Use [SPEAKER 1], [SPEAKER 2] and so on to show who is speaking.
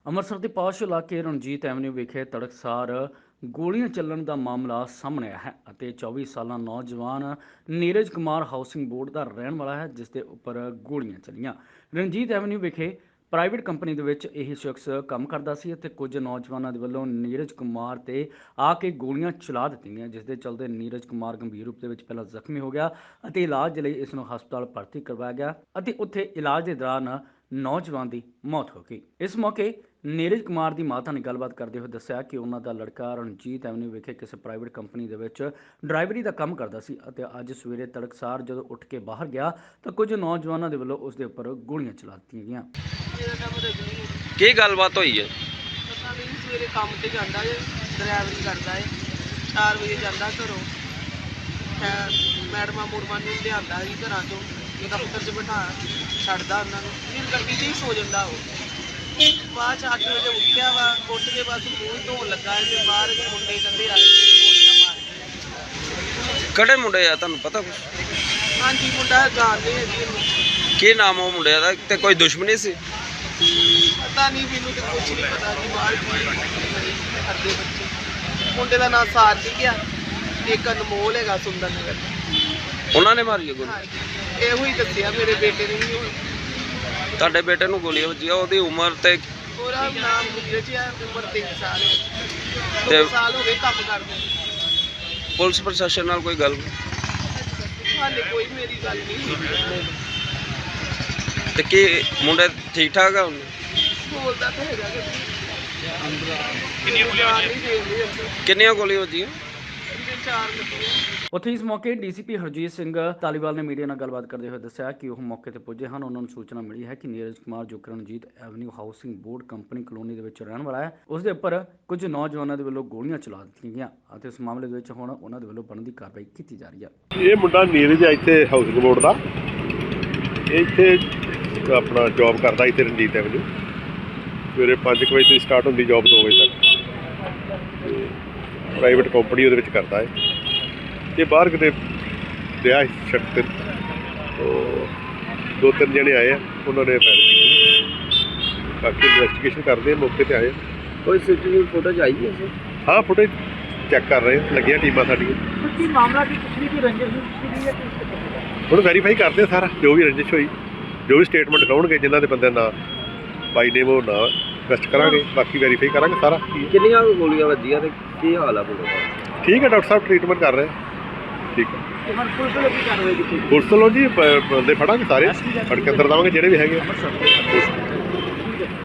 [SPEAKER 1] ਅੰਮ੍ਰਿਤਸਰ ਦੇ ਪਾਸ਼ ਇਲਾਕੇ ਰਣਜੀਤ ਐਵਨਿਊ ਵਿਖੇ ਤੜਕਸਾਰ ਗੋਲੀਆਂ ਚੱਲਣ ਦਾ ਮਾਮਲਾ ਸਾਹਮਣੇ ਆਇਆ ਹੈ ਅਤੇ 24 ਸਾਲਾ ਨੌਜਵਾਨ ਨੀਰਜ ਕੁਮਾਰ ਹਾਊਸਿੰਗ ਬੋਰਡ ਦਾ ਰਹਿਣ ਵਾਲਾ ਹੈ, ਜਿਸ ਦੇ ਉੱਪਰ ਗੋਲੀਆਂ ਚੱਲੀਆਂ। ਰਣਜੀਤ ਐਵਨਿਊ ਵਿਖੇ ਪ੍ਰਾਈਵੇਟ ਕੰਪਨੀ ਦੇ ਵਿੱਚ ਇਹ ਸ਼ਖਸ ਕੰਮ ਕਰਦਾ ਸੀ ਅਤੇ ਕੁਝ ਨੌਜਵਾਨਾਂ ਦੇ ਵੱਲੋਂ ਨੀਰਜ ਕੁਮਾਰ ਤੇ ਆ ਕੇ ਗੋਲੀਆਂ ਚਲਾ ਦਿੱਤੀਆਂ, ਜਿਸ ਦੇ ਚਲਦੇ ਨੀਰਜ ਕੁਮਾਰ ਗੰਭੀਰ ਰੂਪ ਦੇ ਵਿੱਚ ਪਹਿਲਾਂ ਜ਼ਖਮੀ ਹੋ ਗਿਆ ਅਤੇ ਇਲਾਜ ਲਈ ਇਸ ਨੂੰ ਹਸਪਤਾਲ ਭਰਤੀ ਕਰਵਾਇਆ ਗਿਆ ਅਤੇ ਉੱਥੇ ਇਲਾਜ ਦੇ ਦੌਰਾਨ ਨੌਜਵਾਨ ਦੀ ਮੌਤ ਹੋ ਗਈ। ਇਸ ਮੌਕੇ ਨੀਰਜ ਕੁਮਾਰ ਦੀ ਮਾਤਾ ਨੇ ਗੱਲਬਾਤ ਕਰਦੇ ਹੋਏ ਦੱਸਿਆ ਕਿ ਉਹਨਾਂ ਦਾ ਲੜਕਾ ਰਣਜੀਤ ਐਵਨਿਊ ਵਿਖੇ ਕਿਸੇ ਪ੍ਰਾਈਵੇਟ ਕੰਪਨੀ ਦੇ ਵਿੱਚ ਡਰਾਈਵਰੀ ਦਾ ਕੰਮ ਕਰਦਾ ਸੀ ਅਤੇ ਅੱਜ ਸਵੇਰੇ ਤੜਕਸਾਰ ਜਦੋਂ ਉੱਠ ਕੇ ਬਾਹਰ ਗਿਆ ਤਾਂ ਕੁਝ ਨੌਜਵਾਨਾਂ ਦੇ ਵੱਲੋਂ ਉਸ ਦੇ ਉੱਪਰ ਗੋਲੀਆਂ ਚਲਾ ਦਿੱਤੀਆਂ ਗਈਆਂ।
[SPEAKER 2] ਕੀ ਗੱਲਬਾਤ ਹੋਈ ਹੈ?
[SPEAKER 3] ਪਤਾ ਨਹੀਂ, ਸਵੇਰੇ ਕੰਮ ਤੇ ਜਾਂਦਾ ਹੈ, ਡਰਾਈਵਰੀ ਕਰਦਾ ਹੈ। 4 ਵਜੇ ਜਾਂਦਾ ਘਰੋਂ, ਮੈਡਮਾਂ ਮੁਰਮਾਂ ਨੂੰ ਲਿਆਂਦਾ ਸੀ ਘਰਾਂ ਤੋਂ, ਦਫ਼ਤਰ 'ਚ ਬਿਠਾ ਛੱਡਦਾ ਉਹਨਾਂ ਨੂੰ, ਫਿਰ ਗੱਡੀ 'ਚ ਹੀ ਸੋ ਜਾਂਦਾ ਉਹ। ਬਾਅਦ 'ਚ 8 ਵਜੇ ਉੱਠਿਆ ਵਾ, ਉੱਠ ਕੇ ਬਸ ਮੂੰਹ ਹੀ ਧੋਣ ਲੱਗਾ ਹੈ, ਬਾਹਰ ਮੁੰਡੇ ਕਹਿੰਦੇ ਆਏ ਗੋਲੀਆਂ ਮਾਰ ਕੇ।
[SPEAKER 2] ਕਿਹੜੇ ਮੁੰਡੇ ਆ, ਤੁਹਾਨੂੰ ਪਤਾ ਕੁਛ?
[SPEAKER 3] ਹਾਂਜੀ, ਮੁੰਡਾ ਜਾਣਦੇ ਹੈ ਜੀ ਇਹਨੂੰ।
[SPEAKER 2] ਕੀ ਨਾਮ ਉਹ ਮੁੰਡੇ ਦਾ ਤੇ ਕੋਈ ਦੁਸ਼ਮਣੀ ਸੀ?
[SPEAKER 3] ਪਤਾ ਨਹੀਂ, ਮੈਨੂੰ ਤੇ ਕੁਛ ਨਹੀਂ ਪਤਾ ਜੀ। ਬਾਹਰ ਕੀ ਕਰਦੇ ਬੱਚੇ। ਮੁੰਡੇ ਦਾ ਨਾਂ ਸਾਰਥੀ ਆ, ਇੱਕ ਅਨਮੋਲ ਹੈਗਾ ਸੁੰਦਰ ਨਗਰ।
[SPEAKER 2] ਉਹਨਾਂ ਨੇ ਮਾਰੀ ਗੋਲੀ?
[SPEAKER 3] ਹਾਂਜੀ, ਇਹੋ ਹੀ ਦੱਸਿਆ ਮੇਰੇ ਬੇਟੇ ਨੇ ਵੀ।
[SPEAKER 2] ਤੁਹਾਡੇ ਬੇਟੇ ਨੂੰ ਗੋਲੀਆਂ ਵੱਜੀਆਂ, ਉਹਦੀ ਉਮਰ ਤੇ?
[SPEAKER 3] ਉਹਦਾ ਨਾਮ ਗੁਰਜੀਤ ਹੈ, ਉਮਰ 3 ਸਾਲ ਹੈ।
[SPEAKER 2] ਤੇ
[SPEAKER 3] 2 ਸਾਲ ਹੋ ਗਏ ਕੰਮ ਕਰਦੇ।
[SPEAKER 2] ਪੁਲਿਸ ਪ੍ਰਸ਼ਾਸਨ ਨਾਲ ਕੋਈ ਗੱਲ?
[SPEAKER 3] ਹਾਲੇ ਕੋਈ ਮੇਰੀ ਗੱਲ ਨਹੀਂ ਹੋਈ।
[SPEAKER 2] ਤੇ ਕੀ ਮੁੰਡੇ ਠੀਕ ਠਾਕ ਆ? ਉਹਨੂੰ
[SPEAKER 3] ਬੋਲਦਾ ਤਾਂ ਹੈਗਾ ਕਿ
[SPEAKER 2] ਕਿੰਨੀਆਂ ਗੋਲੀਆਂ ਵੱਜੀਆਂ?
[SPEAKER 3] 4 ਲੱਗੀਆਂ।
[SPEAKER 1] ਉੱਥੇ ਇਸ ਮੌਕੇ ਡੀਸੀਪੀ ਹਰਜੀਤ ਸਿੰਘ ਧਾਲੀਵਾਲ ਨੇ ਮੀਡੀਆ ਨਾਲ ਗੱਲਬਾਤ ਕਰਦੇ ਹੋਏ ਦੱਸਿਆ ਕਿ ਉਹ ਮੌਕੇ ਤੇ ਪੁੱਜੇ ਹਨ। ਉਹਨਾਂ ਨੂੰ ਸੂਚਨਾ ਮਿਲੀ ਹੈ ਕਿ ਨੀਰਜ ਕੁਮਾਰ ਜੋ Ranjit avenue housing board company colony ਦੇ ਵਿੱਚ ਰਹਿਣ ਵਾਲਾ ਹੈ, ਉਸ ਦੇ ਉੱਪਰ ਕੁਝ ਨੌਜਵਾਨਾਂ ਦੇ ਵੱਲੋਂ ਗੋਲੀਆਂ ਚਲਾ ਦਿੱਤੀਆਂ ਗਈਆਂ ਅਤੇ ਇਸ ਮਾਮਲੇ ਦੇ ਵਿੱਚ ਹੁਣ ਉਹਨਾਂ ਦੇ ਵੱਲੋਂ ਬਣਦੀ ਕਾਰਵਾਈ ਕੀਤੀ ਜਾ ਰਹੀ ਹੈ।
[SPEAKER 4] ਇਹ ਮੁੰਡਾ ਨੀਰਜ ਹੈ, ਇੱਥੇ ਹਾਊਸਿੰਗ ਬੋਰਡ ਦਾ। ਇੱਥੇ ਆਪਣਾ ਜੌਬ ਕਰਦਾ ਇੱਥੇ ਰਣਜੀਤ ਐਵਨਿਊ। ਸਵੇਰੇ 5 ਵਜੇ ਤੋਂ ਸਟਾਰਟ ਹੁੰਦੀ ਜੌਬ, 2 ਵਜੇ ਤੱਕ। ਪ੍ਰਾਈਵੇਟ ਕੰਪਨੀ ਉਹਦੇ ਵਿੱਚ ਕਰਦਾ ਹੈ। ਇਹ ਬਾਹਰ ਕਿਤੇ ਰਿਹਾ ਸ਼ਖਸ ਤੇ 2-3 ਜਣੇ ਆਏ ਆ, ਉਹਨਾਂ ਨੇ ਫਾਇਰ ਕੀਤੀ। ਬਾਕੀ ਇਨਵੈਸਟੀਗੇਸ਼ਨ ਕਰਦੇ ਆ, ਮੌਕੇ ਤੇ ਆਏ।
[SPEAKER 2] ਕੋਈ ਸੀਸੀਟੀਵੀ ਫੁਟੇਜ ਆਈ ਹੈ?
[SPEAKER 4] ਹਾਂ, ਫੁਟੇਜ ਚੈੱਕ ਕਰ ਰਹੇ, ਲੱਗੀਆਂ ਟੀਮਾਂ ਸਾਡੀਆਂ।
[SPEAKER 3] ਕੀ ਮਾਮਲਾ ਕੀ ਪਿਛਲੀ ਕੋਈ ਰੰਜਿਸ਼ ਸੀ ਜਾਂ
[SPEAKER 4] ਹੁਣ ਵੈਰੀਫਾਈ ਕਰਦੇ ਸਾਰਾ, ਜੋ ਵੀ ਰੰਜਿਸ਼ ਹੋਈ, ਜੋ ਵੀ ਸਟੇਟਮੈਂਟ ਦਿਖਾਉਣਗੇ ਜਿਨ੍ਹਾਂ ਦੇ ਬੰਦੇ ਨਾਂ ਬਾਈ ਨੇਮ ਉਹ ਨਾਂ ਇਨਵੈਸਟ ਕਰਾਂਗੇ, ਬਾਕੀ ਵੈਰੀਫਾਈ ਕਰਾਂਗੇ ਸਾਰਾ।
[SPEAKER 2] ਕਿੰਨੀਆਂ ਗੋਲੀਆਂ ਵੱਜੀਆਂ ਤੇ ਕੀ ਹਾਲ ਆ ਮੁੰਡੇ ਦਾ?
[SPEAKER 4] ਠੀਕ ਹੈ, ਡਾਕਟਰ ਸਾਹਿਬ ਟ੍ਰੀਟਮੈਂਟ ਕਰ ਰਹੇ। ਠੀਕ ਹੈ,
[SPEAKER 3] ਪੁਲਿਸ ਵੱਲੋਂ ਕੀ ਕਾਰਵਾਈ ਕੀਤੀ?
[SPEAKER 4] ਪੁਲਿਸ ਵੱਲੋਂ ਜੀ ਬੰਦੇ ਫੜਾਂਗੇ ਸਾਰੇ, ਫੜ ਕੇ ਅੰਦਰ ਦੇਵਾਂਗੇ ਜਿਹੜੇ ਵੀ ਹੈਗੇ ਆ।